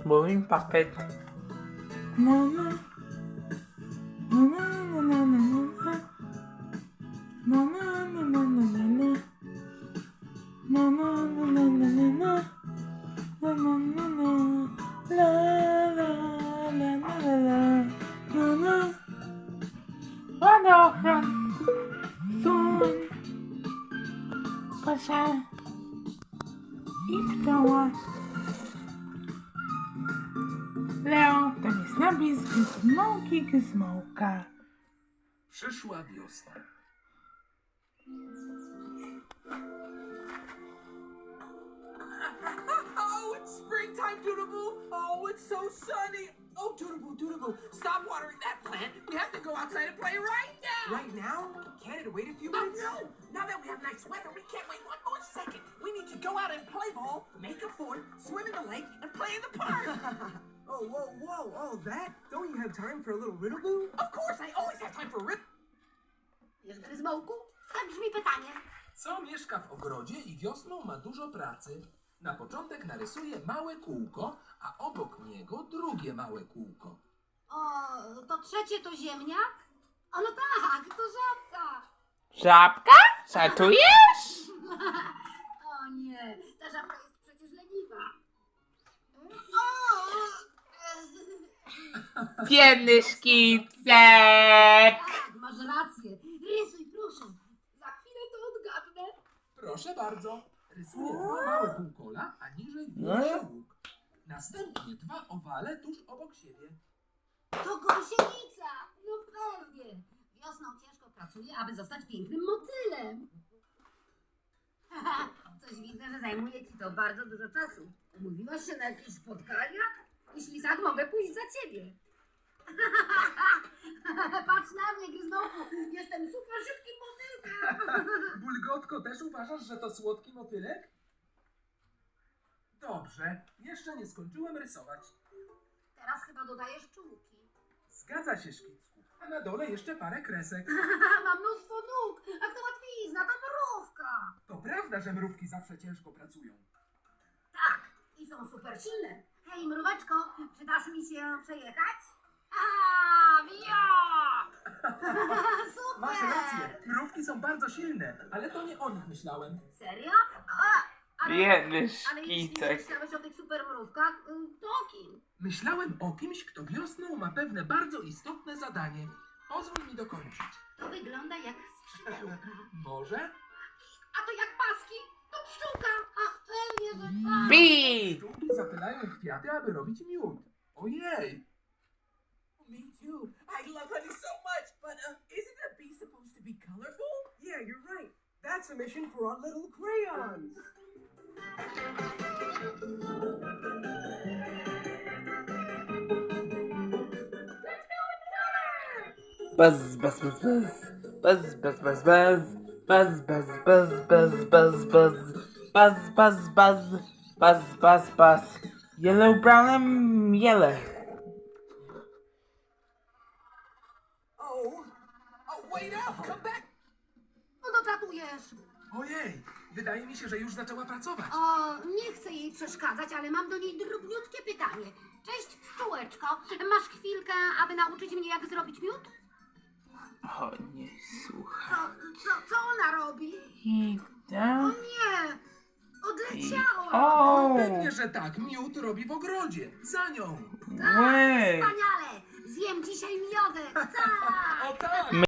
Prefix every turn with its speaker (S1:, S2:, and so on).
S1: moving puppet. Na na. Na na na na na na. Na na na na na na na. Na na na na na na na. Na na na na. La la la la la la. Na na. Wodochron. Sun. Kosia. I ptoła. Leo to jest napis Gizmołki Gizmołka.
S2: Przyszła wiosna.
S3: Oh, it's springtime, Doodaboo! Oh, it's so sunny! Oh, Doodaboo, stop watering that plant! We have to go outside and play right now!
S4: Right now? Can't it wait a few
S3: Oh,
S4: minutes?
S3: no! Now that we have nice weather, we can't wait one more second! We need to go out and play ball, make a fort, swim in the lake, and play in the park!
S4: Oh, whoa, all that? Don't you have time for a little riddle-boo?
S3: Of course, I always have time for rip...
S5: Wiesz, Gryzmołku? Tak brzmi pytanie.
S2: Co mieszka w ogrodzie i wiosną ma dużo pracy? Na początek narysuje małe kółko, a obok niego drugie małe kółko.
S5: O, to trzecie to ziemniak? O, no tak, to żabka.
S1: Żabka? Żartujesz?
S5: O nie, ta żabka jest przecież leniwa. O!
S1: Biedny szkicek.
S5: Tak, masz rację. Rysuj, proszę. Za chwilę to odgadnę.
S2: Proszę bardzo. Rysuje dwa małe półkola, a niżej wbija się łuk. Następnie dwa owale tuż obok siebie.
S5: To gąsienica. No pewnie. Wiosną ciężko pracuje, aby zostać pięknym motylem. Coś widzę, że zajmuje ci to bardzo dużo czasu. Umówiłaś się na jakieś spotkania? Jeśli tak, mogę pójść za ciebie. Patrz na mnie, Gryzmołku. Jestem super szybkim motylkiem.
S2: Bulgotko, też uważasz, że to słodki motylek? Dobrze, jeszcze nie skończyłem rysować.
S5: Teraz chyba dodajesz czułki.
S2: Zgadza się, Szkicku. A na dole jeszcze parę kresek.
S5: Mam mnóstwo nóg. A to łatwizna, to mrówka.
S2: To prawda, że mrówki zawsze ciężko pracują.
S5: Tak, i są super silne. Hej, mróweczko, przydasz mi się przejechać? A, ja! Super!
S2: Masz rację, mrówki są bardzo silne, ale to nie o nich myślałem.
S5: Serio?
S1: Biedny
S5: Ale jeśli
S1: szkicek.
S5: myślałeś o tych super mrówkach, to o kim?
S2: Myślałem o kimś, kto wiosną ma pewne bardzo istotne zadanie. Pozwól mi dokończyć.
S5: To wygląda jak skrzydełka.
S2: Może?
S5: A to jak paski? To pszczółka. Ach, pewnie, że tak.
S1: Bi!
S2: Pszczółki zapylają kwiaty, aby robić miód. Ojej!
S3: Me too. I love honey so much, but isn't a bee supposed to be colorful?
S4: Yeah, you're right. That's a mission for our little crayons.
S1: Buzz, buzz, buzz, buzz. Buzz, buzz, buzz, buzz. Buzz, buzz, buzz, buzz, buzz, buzz. Buzz, buzz, buzz. Buzz, buzz, buzz. Yellow, brown, and yellow.
S3: Oh, wait up! Come back!
S5: No doplatujesz.
S2: Ojej! Wydaje mi się, że już zaczęła pracować.
S5: O, nie chcę jej przeszkadzać, ale mam do niej drobniutkie pytanie. Cześć, pszczółeczko. Masz chwilkę, aby nauczyć mnie, jak zrobić miód?
S1: O, nie słuchaj.
S5: Co ona robi?
S1: I
S5: O
S1: tak.
S5: nie! Odleciała!
S1: O!
S2: Pewnie, że tak. Miód robi w ogrodzie. Za nią.
S1: Łe!
S5: Wspaniale! Zjem dzisiaj miodek! Tak!
S2: O tak!